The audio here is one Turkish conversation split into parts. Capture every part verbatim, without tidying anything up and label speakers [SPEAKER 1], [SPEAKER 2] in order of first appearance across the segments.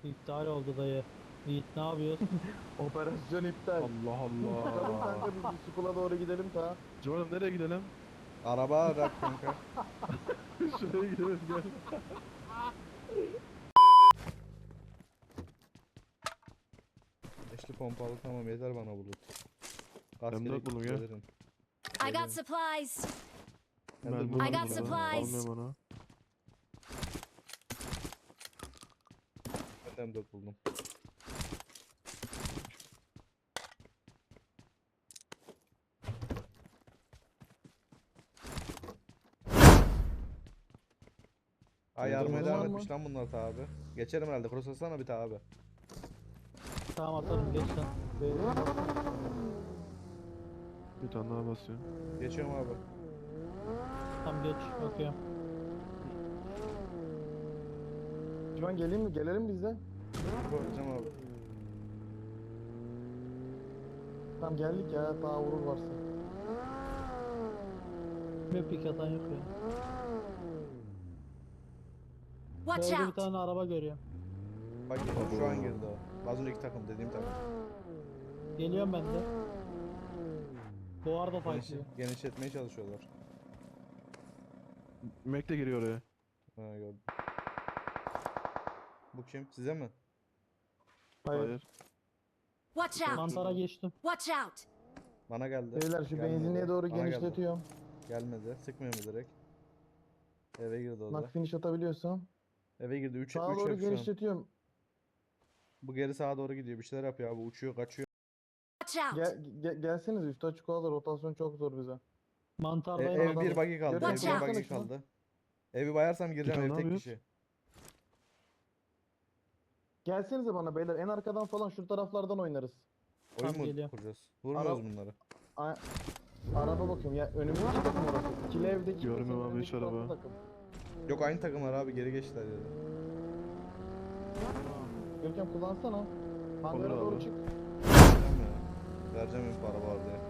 [SPEAKER 1] İptal oldu dayı. Yiğit ne yapıyorsun?
[SPEAKER 2] Operasyon iptal.
[SPEAKER 3] Allah
[SPEAKER 2] Çıkalım
[SPEAKER 3] Allah.
[SPEAKER 2] kanka biz bir Sukula doğru gidelim ta.
[SPEAKER 3] Civan'ım nereye gidelim?
[SPEAKER 4] Araba arak kanka.
[SPEAKER 3] Şuraya gidelim gel.
[SPEAKER 4] Beşli pompalı tamam yeter bana bulut. Gaz
[SPEAKER 3] M dört
[SPEAKER 4] gerek
[SPEAKER 3] buldum ya.
[SPEAKER 4] gelirim.
[SPEAKER 5] I got supplies.
[SPEAKER 4] Ben de
[SPEAKER 3] Ben
[SPEAKER 4] buldum
[SPEAKER 5] I got
[SPEAKER 4] burada.
[SPEAKER 5] supplies.
[SPEAKER 3] Almıyorum onu.
[SPEAKER 4] Ben de M dört buldum. Ay yardım
[SPEAKER 2] Buldun
[SPEAKER 4] eder
[SPEAKER 2] var
[SPEAKER 4] etmiş
[SPEAKER 2] mı?
[SPEAKER 4] lan bunlar ta abi. Geçerim herhalde. Cross atsana bir ta abi.
[SPEAKER 1] Tamam atarım geç sen.
[SPEAKER 2] Beyler,
[SPEAKER 3] Bir tane daha basıyor.
[SPEAKER 4] Geçiyorum abi.
[SPEAKER 1] Tamam geç bakıyorum.
[SPEAKER 2] Şu an geleyim mi? Gelelim biz de.
[SPEAKER 4] Koyacağım abi.
[SPEAKER 2] Tamam geldik ya. Daha vurur varsa.
[SPEAKER 1] Bir pik atan yok ya.
[SPEAKER 5] Watch
[SPEAKER 1] Böyle bir
[SPEAKER 5] out.
[SPEAKER 1] tane araba görüyorum.
[SPEAKER 4] Bak şu an girdi o. Az önceki takım dediğim takım.
[SPEAKER 1] Geliyorum ben de. Bu arada
[SPEAKER 4] Geniş,
[SPEAKER 1] fightlıyor.
[SPEAKER 4] genişletmeye çalışıyorlar.
[SPEAKER 3] Mac de giriyor oraya.
[SPEAKER 4] Ha gördüm. Bu kim? Size mi?
[SPEAKER 2] Hayır.
[SPEAKER 3] Hayır.
[SPEAKER 5] Watch out.
[SPEAKER 1] Mantara geçtim.
[SPEAKER 5] Watch out.
[SPEAKER 4] Bana geldi.
[SPEAKER 2] Beyler şu
[SPEAKER 4] Gelmedi.
[SPEAKER 2] benzinliğe doğru
[SPEAKER 4] Bana geldi.
[SPEAKER 2] genişletiyorum.
[SPEAKER 4] Gelmedi. Sıkmıyor mu direkt? Eve girdi o da.
[SPEAKER 2] Nak finish atabiliyorsam.
[SPEAKER 4] Eve girdi. üç
[SPEAKER 2] Sağa
[SPEAKER 4] üç
[SPEAKER 2] doğru
[SPEAKER 4] yap şu an.
[SPEAKER 2] genişletiyorum.
[SPEAKER 4] Bu geri sağa doğru gidiyor. Bir şeyler yapıyor abi. Uçuyor, kaçıyor.
[SPEAKER 5] Watch out.
[SPEAKER 2] Gel, ge gelseniz üstü açık olalım. Rotasyon çok zor bize.
[SPEAKER 4] E,
[SPEAKER 1] Mantardayım
[SPEAKER 4] ev
[SPEAKER 1] adamım.
[SPEAKER 4] bir buggy kaldı. Ev
[SPEAKER 5] Watch
[SPEAKER 4] bir
[SPEAKER 5] out.
[SPEAKER 4] buggy
[SPEAKER 2] Baksana şuna.
[SPEAKER 4] kaldı. Evi bayarsam gireceğim.
[SPEAKER 3] tane
[SPEAKER 4] Ev
[SPEAKER 3] ne
[SPEAKER 4] tek
[SPEAKER 3] yapıyoruz?
[SPEAKER 4] kişi.
[SPEAKER 2] Gelsenize bana beyler. En arkadan falan şu taraflardan oynarız.
[SPEAKER 4] Oyun
[SPEAKER 1] Tamam,
[SPEAKER 4] mu
[SPEAKER 1] geliyorum.
[SPEAKER 4] kuracağız? Vurmuyoruz
[SPEAKER 2] Ara-
[SPEAKER 4] bunları.
[SPEAKER 2] A araba bakıyorum ya. Önümüzdeki takım orası. İkili evdeki
[SPEAKER 3] Görmüyorum
[SPEAKER 2] kesin
[SPEAKER 3] abi
[SPEAKER 2] önündeki
[SPEAKER 3] hiç araba.
[SPEAKER 2] farklı takım.
[SPEAKER 4] Yok aynı takımlar abi. Geri geçtiler ya.
[SPEAKER 2] Görkem kullansana. Hangara
[SPEAKER 3] Olur
[SPEAKER 2] doğru
[SPEAKER 3] abi.
[SPEAKER 2] çık.
[SPEAKER 4] Vereceğim ya. Vereceğim info araba var diye.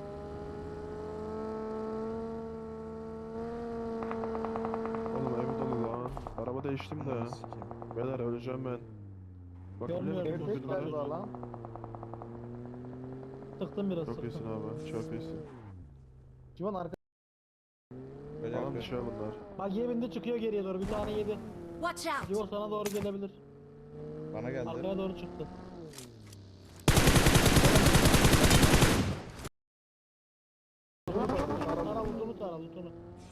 [SPEAKER 3] Oğlum ev dolu lan. Araba değiştim de.
[SPEAKER 4] Ananı sikeyim.
[SPEAKER 3] Beyler öleceğim ben. Bak
[SPEAKER 1] Görmüyorum.
[SPEAKER 3] biliyor
[SPEAKER 2] Ev
[SPEAKER 3] musun
[SPEAKER 2] tek
[SPEAKER 3] bunları?
[SPEAKER 2] galiba lan.
[SPEAKER 1] Sıktım biraz
[SPEAKER 3] Çok iyisin
[SPEAKER 1] sıktım.
[SPEAKER 3] abi. Çok iyisin.
[SPEAKER 2] Civan arka.
[SPEAKER 4] Böyle
[SPEAKER 3] Tamam bir
[SPEAKER 4] yapıyor.
[SPEAKER 3] şey bunlar.
[SPEAKER 1] Bak yebinde çıkıyor geriye doğru. Bir tane yedi.
[SPEAKER 5] Watch out.
[SPEAKER 1] Civo sana doğru gelebilir.
[SPEAKER 4] Bana geldi.
[SPEAKER 1] Arkaya doğru çıktı. Tara lutunu tara lutunu.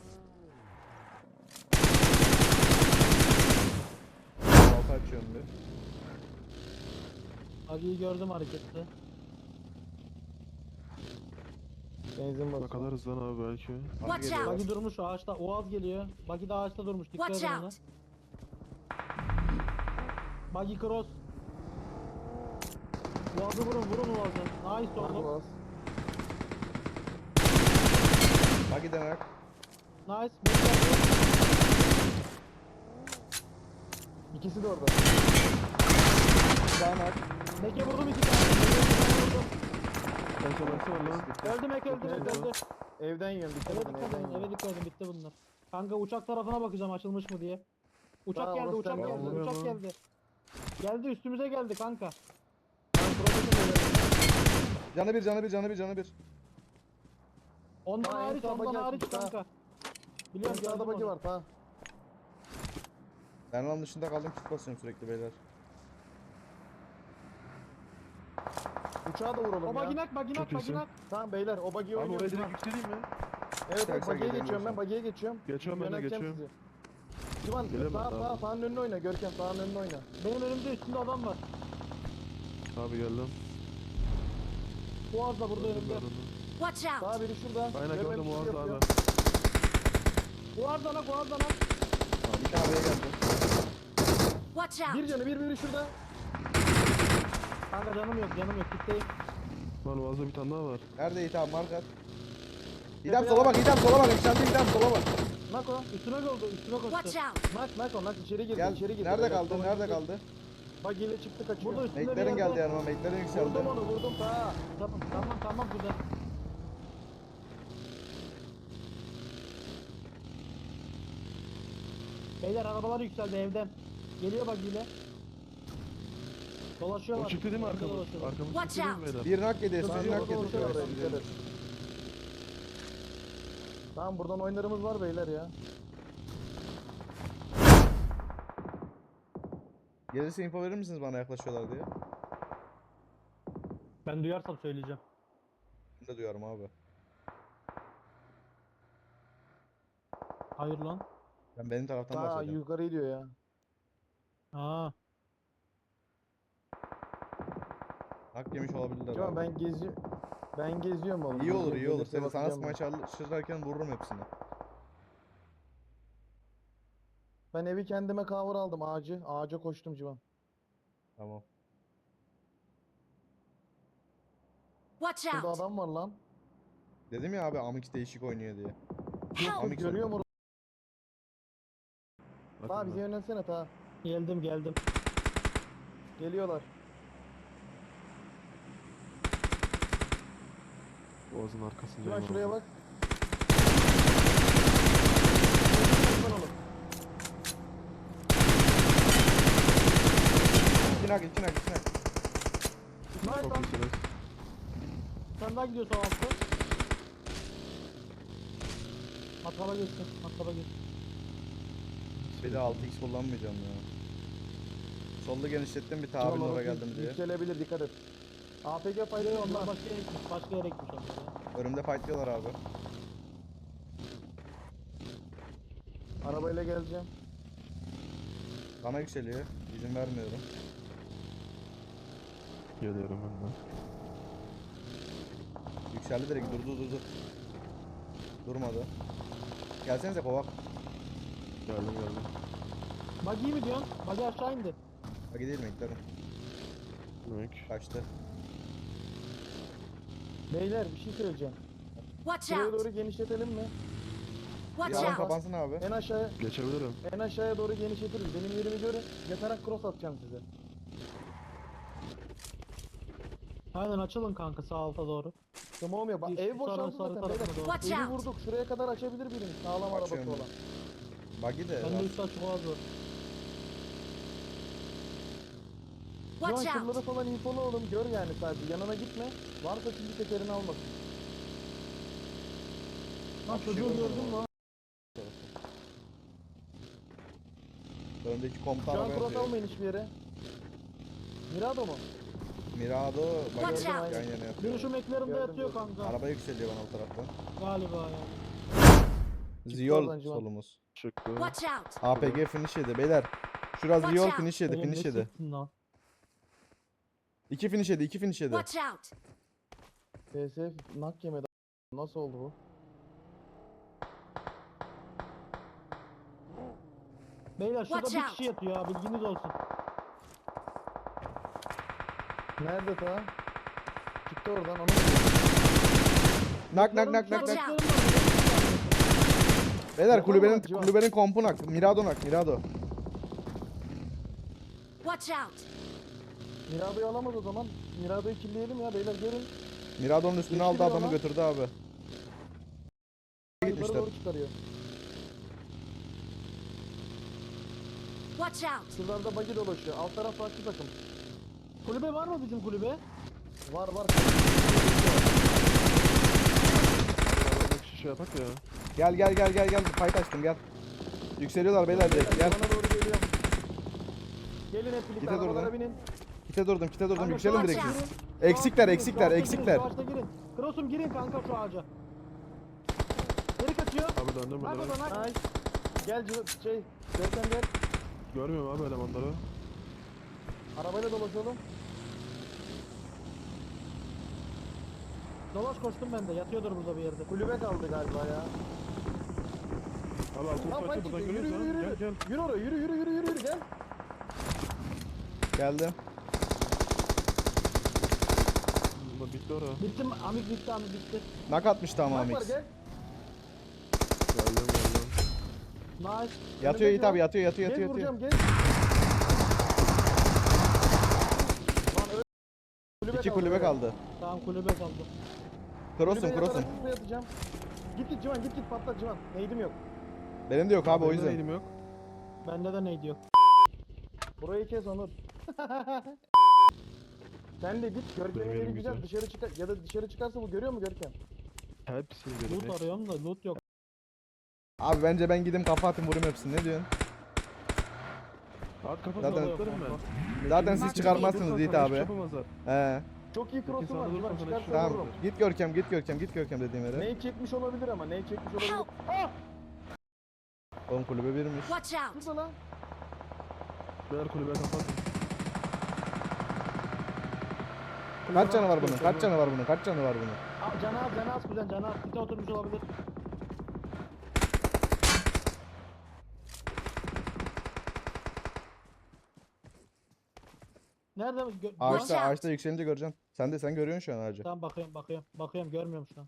[SPEAKER 4] Altı açıyorum bir.
[SPEAKER 1] Agi'yi gördüm harekette.
[SPEAKER 2] Benzin basıyor.
[SPEAKER 3] Bakarız lan abi belki.
[SPEAKER 4] Buggy
[SPEAKER 5] Watch
[SPEAKER 4] geliyor.
[SPEAKER 5] out.
[SPEAKER 1] Bagi durmuş ağaçta. Oğaz geliyor. Bagi de ağaçta durmuş. Dikkat
[SPEAKER 5] Watch
[SPEAKER 1] edin ona.
[SPEAKER 5] out.
[SPEAKER 1] Bagi cross. Oğaz'ı vurun vurun Oğaz'ı. Nice
[SPEAKER 2] Arka
[SPEAKER 1] oğlum.
[SPEAKER 2] bas.
[SPEAKER 4] Buggy demek.
[SPEAKER 1] Nice. Bekle.
[SPEAKER 2] İkisi de orada. Danak.
[SPEAKER 1] Meke vurdum iki tane. Meke vurdum.
[SPEAKER 3] Kanka baksana lan.
[SPEAKER 1] Öldü Meke öldü Meke öldü.
[SPEAKER 2] Evden yiyorum. Dikkat
[SPEAKER 1] Eve
[SPEAKER 2] edin
[SPEAKER 1] dikkat
[SPEAKER 2] evden
[SPEAKER 1] edin. Eve
[SPEAKER 2] yiyorum.
[SPEAKER 1] dikkat edin. Bitti bunlar. Kanka uçak tarafına bakacağım açılmış mı diye. Uçak
[SPEAKER 2] Tamam,
[SPEAKER 1] geldi
[SPEAKER 2] orası
[SPEAKER 1] uçak
[SPEAKER 2] sende.
[SPEAKER 1] geldi
[SPEAKER 3] Vuruyor
[SPEAKER 1] uçak
[SPEAKER 3] lan.
[SPEAKER 1] geldi. Geldi üstümüze geldi kanka.
[SPEAKER 2] Ben profesör ederim.
[SPEAKER 4] Canı bir, canı bir, canı bir, canı bir.
[SPEAKER 1] Ondan
[SPEAKER 2] Tamam, en
[SPEAKER 1] hariç
[SPEAKER 2] sağ
[SPEAKER 1] ondan
[SPEAKER 2] bagi
[SPEAKER 1] hariç
[SPEAKER 2] açmış,
[SPEAKER 1] kanka.
[SPEAKER 2] En
[SPEAKER 1] Biliyorum
[SPEAKER 2] sağda
[SPEAKER 1] gördüm
[SPEAKER 2] bagi
[SPEAKER 1] onu.
[SPEAKER 2] var ta.
[SPEAKER 4] Ben lan dışında kaldım. Kit basıyorum sürekli beyler.
[SPEAKER 2] Uçağa da vuralım
[SPEAKER 1] O
[SPEAKER 2] ya.
[SPEAKER 1] baginak baginak
[SPEAKER 3] Çok iyisin.
[SPEAKER 1] baginak.
[SPEAKER 2] Tamam beyler o bagiyi
[SPEAKER 3] Abi oraya
[SPEAKER 2] oynuyoruz.
[SPEAKER 3] direkt
[SPEAKER 2] lan.
[SPEAKER 3] yükseleyim mi?
[SPEAKER 2] Evet evet
[SPEAKER 4] İstersen
[SPEAKER 2] bagiye geçiyorum ben
[SPEAKER 4] gelemiyorsan.
[SPEAKER 2] bagiye geçiyorum.
[SPEAKER 3] Geçiyorum ben de
[SPEAKER 2] Yönelteceğim
[SPEAKER 3] geçiyorum.
[SPEAKER 2] sizi. Civan
[SPEAKER 3] Gelemem
[SPEAKER 2] sağ
[SPEAKER 3] abi.
[SPEAKER 2] sağ sağın önüne oyna Görkem sağın önüne oyna.
[SPEAKER 1] Benim önümde üstünde adam var.
[SPEAKER 3] Abi geldim.
[SPEAKER 1] Boğaz da burada
[SPEAKER 3] Gördüm
[SPEAKER 1] önümde.
[SPEAKER 3] ben onu.
[SPEAKER 5] Watch out.
[SPEAKER 2] Sağ biri şurada.
[SPEAKER 3] Aynen gördüm
[SPEAKER 2] Görmemiş
[SPEAKER 3] o
[SPEAKER 2] gibi
[SPEAKER 3] anda abi.
[SPEAKER 2] yapıyor.
[SPEAKER 1] Boğaz dana boğaz dana.
[SPEAKER 4] Bir tane B'ye geldi.
[SPEAKER 5] Watch out.
[SPEAKER 2] Bir canı bir biri şurada.
[SPEAKER 1] Kanka canım yok canım yok kitleyim.
[SPEAKER 3] Lan Boğaz'da bir tane daha var.
[SPEAKER 4] Nerede İtham? Markat. İdam sola bak, İdam sola bak. Yükseldi İdam sola bak.
[SPEAKER 2] Nako.
[SPEAKER 1] Üstüme oldu üstüme
[SPEAKER 5] Watch
[SPEAKER 1] koştu.
[SPEAKER 5] out.
[SPEAKER 2] Nak nak nak içeri girdi
[SPEAKER 4] Gel.
[SPEAKER 2] içeri girdi.
[SPEAKER 4] Nerede
[SPEAKER 2] Beyler,
[SPEAKER 4] kaldı?
[SPEAKER 2] sola
[SPEAKER 4] Nerede
[SPEAKER 2] gitti.
[SPEAKER 4] kaldı?
[SPEAKER 2] Bagiyle çıktı kaçıyor.
[SPEAKER 1] Burada üstünde bir
[SPEAKER 4] Meklerin
[SPEAKER 1] yerde.
[SPEAKER 4] geldi yanıma. Meklerin yükseldi.
[SPEAKER 2] Vurdum onu vurdum ta.
[SPEAKER 1] Tamam tamam tamam güzel. Beyler arabalar yükseldi evden. Geliyor bak yine. Dolaşıyorlar.
[SPEAKER 3] O çıktı değil mi
[SPEAKER 1] Önde
[SPEAKER 3] arkamız?
[SPEAKER 1] dolaşıyorlar.
[SPEAKER 3] Arkamız
[SPEAKER 5] Watch
[SPEAKER 3] çıktı değil mi
[SPEAKER 5] out.
[SPEAKER 3] beyler?
[SPEAKER 4] Bir nak yedi.
[SPEAKER 2] Tamam,
[SPEAKER 4] Sucu nak yedi.
[SPEAKER 2] doğru, doğru,
[SPEAKER 4] Sucu.
[SPEAKER 2] doğru, dikkat et. Tamam buradan oyunlarımız var beyler ya.
[SPEAKER 4] Gelirse info verir misiniz bana yaklaşıyorlar diye?
[SPEAKER 1] Ben duyarsam söyleyeceğim.
[SPEAKER 4] Ben de duyarım abi.
[SPEAKER 1] Hayır lan.
[SPEAKER 4] Ben benim taraftan
[SPEAKER 2] Daha
[SPEAKER 4] başlayacağım.
[SPEAKER 2] yukarı gidiyor ya.
[SPEAKER 1] Aa.
[SPEAKER 4] Hak yemiş olabilirler
[SPEAKER 2] Civan
[SPEAKER 4] abi.
[SPEAKER 2] ben gezi ben geziyorum oğlum.
[SPEAKER 4] İyi olur
[SPEAKER 2] Gezi-
[SPEAKER 4] iyi olur.
[SPEAKER 2] gelirse
[SPEAKER 4] Seni sana
[SPEAKER 2] bakacağım
[SPEAKER 4] sıkmaya
[SPEAKER 2] ben.
[SPEAKER 4] çalışırken vururum hepsini.
[SPEAKER 2] Ben evi kendime cover aldım ağacı. Ağaca koştum Civan.
[SPEAKER 4] Tamam.
[SPEAKER 5] Watch
[SPEAKER 2] Şurada
[SPEAKER 5] out.
[SPEAKER 2] adam var lan.
[SPEAKER 4] Dedim ya abi Amix değişik oynuyor diye.
[SPEAKER 5] Help.
[SPEAKER 4] Amix
[SPEAKER 2] Görüyor
[SPEAKER 4] oynuyor.
[SPEAKER 2] musun? Ta
[SPEAKER 3] Bakın
[SPEAKER 2] bize
[SPEAKER 3] ben.
[SPEAKER 2] yönelsene ta.
[SPEAKER 1] Geldim geldim.
[SPEAKER 2] Geliyorlar.
[SPEAKER 3] Boğazın arkasında.
[SPEAKER 2] Civan
[SPEAKER 3] var
[SPEAKER 2] şuraya
[SPEAKER 3] orada.
[SPEAKER 2] bak. Lan oğlum.
[SPEAKER 4] İki nak iki nak iki nak.
[SPEAKER 1] Nice
[SPEAKER 3] Çok
[SPEAKER 1] lan.
[SPEAKER 3] iyisiniz.
[SPEAKER 1] Sen daha gidiyorsun altı. Matkaba geçsin. Matkaba geçsin.
[SPEAKER 4] Bir de altı x kullanmayacağım ya. Solda genişlettim bir
[SPEAKER 2] Civan
[SPEAKER 4] tabirle
[SPEAKER 2] orası
[SPEAKER 4] oraya geldim diye.
[SPEAKER 2] Yükselebilir dikkat et. A P G
[SPEAKER 1] Hayır
[SPEAKER 2] faydalı
[SPEAKER 1] onlar
[SPEAKER 2] onlar.
[SPEAKER 1] başka yere gitmiş. Başka yere gitmiş onlar ya.
[SPEAKER 4] Önümde fightlıyorlar abi.
[SPEAKER 2] Arabayla geleceğim.
[SPEAKER 4] Bana yükseliyor. İzin vermiyorum.
[SPEAKER 3] Geliyorum ben de.
[SPEAKER 4] Yükseldi direkt durdu durdu. Durmadı. Gelsenize kovak.
[SPEAKER 3] Geldim geldim.
[SPEAKER 1] Buggy mi diyorsun? Buggy aşağı indi.
[SPEAKER 4] Bak gidelim eklerim.
[SPEAKER 3] Demek.
[SPEAKER 4] Kaçtı.
[SPEAKER 2] Beyler bir şey söyleyeceğim.
[SPEAKER 5] Watch
[SPEAKER 2] Şuraya
[SPEAKER 5] out.
[SPEAKER 2] doğru genişletelim mi?
[SPEAKER 4] Bir
[SPEAKER 5] Watch
[SPEAKER 4] alan
[SPEAKER 5] out.
[SPEAKER 4] kapansın abi.
[SPEAKER 2] En aşağıya
[SPEAKER 3] Geçebilirim.
[SPEAKER 2] en aşağıya doğru genişletiriz. Benim yerimi görün. Yatarak cross atacağım size.
[SPEAKER 1] Aynen açılın kanka sağ alta doğru.
[SPEAKER 2] Tamam ya bak
[SPEAKER 1] Bir
[SPEAKER 2] ev
[SPEAKER 1] şu
[SPEAKER 2] boşaldı
[SPEAKER 1] sarı- sarı
[SPEAKER 2] zaten
[SPEAKER 1] tarafına
[SPEAKER 2] beyler.
[SPEAKER 1] doğru.
[SPEAKER 5] Watch
[SPEAKER 2] Evi
[SPEAKER 5] out.
[SPEAKER 2] vurduk. Şuraya kadar açabilir birimiz. Sağlam arabası
[SPEAKER 4] Açıyorum
[SPEAKER 2] olan.
[SPEAKER 4] Buggy de
[SPEAKER 1] Ben de
[SPEAKER 4] var.
[SPEAKER 1] üstü açık oğaz var.
[SPEAKER 2] Şu an
[SPEAKER 5] Watch out.
[SPEAKER 2] şuraları falan infolu oğlum. Gör yani sadece. Yanına gitme. Varsa şimdi tekerini almasın.
[SPEAKER 1] Lan
[SPEAKER 4] Bak,
[SPEAKER 1] çocuğu
[SPEAKER 4] şey
[SPEAKER 1] gördün mü lan?
[SPEAKER 4] Öndeki komutan
[SPEAKER 2] Şu an
[SPEAKER 4] araba
[SPEAKER 2] cross
[SPEAKER 4] yapıyor.
[SPEAKER 2] almayın hiçbir yere. Mirado mu?
[SPEAKER 4] Mirado
[SPEAKER 5] Watch
[SPEAKER 4] buggy
[SPEAKER 5] out.
[SPEAKER 4] yan yana
[SPEAKER 1] Biri
[SPEAKER 4] yapıyor.
[SPEAKER 1] şu meklerimde
[SPEAKER 2] Gördüm,
[SPEAKER 1] yatıyor
[SPEAKER 2] gördüm.
[SPEAKER 1] kanka.
[SPEAKER 4] Araba yükseliyor bana o taraftan.
[SPEAKER 1] Galiba yani.
[SPEAKER 4] Ziyol
[SPEAKER 2] oradan Civan.
[SPEAKER 4] solumuz.
[SPEAKER 3] Çıktı.
[SPEAKER 5] Watch out.
[SPEAKER 4] A P G finish yedi beyler. Şurası
[SPEAKER 5] Watch
[SPEAKER 4] Ziyol
[SPEAKER 5] out.
[SPEAKER 4] finish yedi
[SPEAKER 1] Oğlum
[SPEAKER 4] finish
[SPEAKER 1] ne
[SPEAKER 4] yedi.
[SPEAKER 1] sıktın lan?
[SPEAKER 4] İki finish yedi iki finish yedi.
[SPEAKER 5] Watch out.
[SPEAKER 2] P S F nak yemedi. Nasıl oldu bu?
[SPEAKER 1] Beyler şurada
[SPEAKER 5] Watch
[SPEAKER 1] bir
[SPEAKER 5] out.
[SPEAKER 1] kişi yatıyor ya bilginiz olsun.
[SPEAKER 2] Nerede ta? Çıktı oradan onu.
[SPEAKER 4] Nak nak nak nak
[SPEAKER 5] Watch
[SPEAKER 4] nak.
[SPEAKER 5] out.
[SPEAKER 4] Beyler
[SPEAKER 2] Yapalım
[SPEAKER 4] kulübenin
[SPEAKER 2] mı Civan?
[SPEAKER 4] kulübenin kompu nak. Mirado nak Mirado.
[SPEAKER 5] Watch out.
[SPEAKER 2] Mirado'yu alamaz o zaman. Mirado'yu killeyelim ya beyler görün.
[SPEAKER 4] Mirado'nun üstüne
[SPEAKER 2] Geçti
[SPEAKER 4] aldı
[SPEAKER 2] bir
[SPEAKER 4] adamı
[SPEAKER 2] ona.
[SPEAKER 4] götürdü abi.
[SPEAKER 2] Yukarı
[SPEAKER 4] Gitmişler.
[SPEAKER 2] doğru çıkarıyor.
[SPEAKER 5] Watch out.
[SPEAKER 2] Şuralarda buggy dolaşıyor. Alt taraf farklı takım.
[SPEAKER 1] Kulübe var mı bizim kulübe?
[SPEAKER 2] Var var.
[SPEAKER 3] Arabadaki şişe yapak ya.
[SPEAKER 4] Gel gel gel gel gel. Fight açtım gel. Yükseliyorlar beyler direkt gel.
[SPEAKER 2] Bana doğru geliyor. Gelin hep birlikte
[SPEAKER 4] Gide dur
[SPEAKER 2] arabalara
[SPEAKER 4] lan.
[SPEAKER 2] binin.
[SPEAKER 4] Kite durdum kite durdum
[SPEAKER 1] Kanka,
[SPEAKER 4] yükselin
[SPEAKER 1] şu
[SPEAKER 4] direkt
[SPEAKER 5] ağaca.
[SPEAKER 4] siz.
[SPEAKER 1] girin. Şu
[SPEAKER 4] Eksikler
[SPEAKER 1] ağaçta
[SPEAKER 4] eksikler
[SPEAKER 1] girin,
[SPEAKER 4] eksikler.
[SPEAKER 1] Şu ağaçta girin. Cross'um girin kanka şu ağaca. Geri kaçıyor.
[SPEAKER 3] Abi döndüm
[SPEAKER 1] Bak
[SPEAKER 3] ben.
[SPEAKER 1] o da nak.
[SPEAKER 2] Nice. Gel Ciro- şey. Görkem gel.
[SPEAKER 3] Görmüyorum abi elemanları.
[SPEAKER 2] Arabayla dolaşalım.
[SPEAKER 1] Dolaş koştum ben de yatıyordur burada bir yerde.
[SPEAKER 2] Kulübe kaldı galiba ya.
[SPEAKER 3] Abi altını
[SPEAKER 2] Lan
[SPEAKER 3] saçı
[SPEAKER 2] fight
[SPEAKER 3] buradan
[SPEAKER 2] çıkıyor. Yürü
[SPEAKER 3] görüyoruz
[SPEAKER 2] yürü
[SPEAKER 3] ha.
[SPEAKER 2] yürü.
[SPEAKER 3] Gel gel.
[SPEAKER 2] Yürü oraya yürü yürü yürü yürü yürü gel.
[SPEAKER 4] Geldim.
[SPEAKER 3] Ulan bitti ora.
[SPEAKER 1] Bitti mi? Amik bitti amik bitti.
[SPEAKER 4] Nak atmıştı ama
[SPEAKER 2] Bak var
[SPEAKER 4] Amix.
[SPEAKER 2] gel.
[SPEAKER 3] Geldim geldim.
[SPEAKER 1] Nice.
[SPEAKER 4] Yatıyor Yiğit
[SPEAKER 2] Önündeki
[SPEAKER 4] abi
[SPEAKER 2] o.
[SPEAKER 4] yatıyor yatıyor
[SPEAKER 2] Gel
[SPEAKER 4] yatıyor. yatıyor.
[SPEAKER 2] vuracağım gel. Lan öyle. Kulübe
[SPEAKER 4] İki
[SPEAKER 2] kaldı
[SPEAKER 4] kulübe
[SPEAKER 2] böyle.
[SPEAKER 4] kaldı.
[SPEAKER 1] Tamam kulübe kaldı.
[SPEAKER 4] Cross'um
[SPEAKER 2] Kulübeye
[SPEAKER 4] cross'um.
[SPEAKER 2] yatarak şuraya atacağım. Git git Civan git git patlat Civan. Neydim yok.
[SPEAKER 4] Benim de yok abi o
[SPEAKER 3] Benim de
[SPEAKER 4] yüzden.
[SPEAKER 3] elim yok.
[SPEAKER 1] Bende de neydi yok.
[SPEAKER 2] Burayı kes Onur. Sen de git Görkem'in
[SPEAKER 3] Benim
[SPEAKER 2] yeri
[SPEAKER 3] yerim
[SPEAKER 2] güzel
[SPEAKER 3] güzel.
[SPEAKER 2] dışarı çıkar ya da dışarı çıkarsa bu görüyor mu Görkem?
[SPEAKER 3] Hepsini görüyorum.
[SPEAKER 1] Loot
[SPEAKER 3] hepsini.
[SPEAKER 1] arıyorum da loot yok.
[SPEAKER 4] Abi bence ben gideyim kafa atayım vurayım hepsini. Ne diyorsun?
[SPEAKER 3] At kafasına
[SPEAKER 4] Zaten-
[SPEAKER 3] atlarım ben.
[SPEAKER 4] Zaten siz
[SPEAKER 5] Mark
[SPEAKER 4] çıkarmazsınız
[SPEAKER 3] Dursan
[SPEAKER 4] Yiğit
[SPEAKER 3] sana hiç
[SPEAKER 4] abi.
[SPEAKER 3] yapamazlar.
[SPEAKER 4] He.
[SPEAKER 2] Çok iyi cross'um var
[SPEAKER 3] sağda
[SPEAKER 2] Civan
[SPEAKER 3] durursan
[SPEAKER 2] çıkarsa
[SPEAKER 4] Tamam.
[SPEAKER 2] vururum.
[SPEAKER 4] Git Görkem, git Görkem, git Görkem dediğim yere.
[SPEAKER 2] Neyi çekmiş olabilir ama neyi çekmiş olabilir.
[SPEAKER 5] Help!
[SPEAKER 2] Ah!
[SPEAKER 4] Oğlum kulübe birmiş.
[SPEAKER 5] Watch out!
[SPEAKER 2] Şurada lan.
[SPEAKER 3] Beyler kulübeye kapat.
[SPEAKER 4] Kaç canı var bunun? Kaç canı var bunun? Kaç canı var bunun?
[SPEAKER 1] Aa, canı az canı az kuzen canı az. Kite oturmuş olabilir. Nerede mi? Gö-
[SPEAKER 4] Ağaçta,
[SPEAKER 5] Watch out.
[SPEAKER 4] ağaçta yükselince göreceksin. Sen de sen görüyorsun şu an ağacı.
[SPEAKER 1] Tamam bakıyorum bakıyorum. Bakıyorum görmüyorum şu an.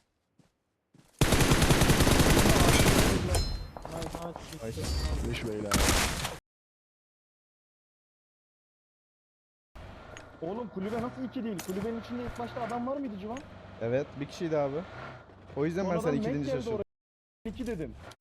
[SPEAKER 1] Nice nice.
[SPEAKER 4] Nice.
[SPEAKER 3] Leş beyler.
[SPEAKER 2] Oğlum kulübe nasıl iki değil? Kulübenin içinde ilk başta adam var mıydı Civan?
[SPEAKER 4] Evet, bir kişiydi abi. O yüzden ben sana
[SPEAKER 2] Sonradan
[SPEAKER 4] iki
[SPEAKER 2] Mac
[SPEAKER 4] deyince
[SPEAKER 2] geldi
[SPEAKER 4] şaşırdım.
[SPEAKER 2] oraya. İki dedim.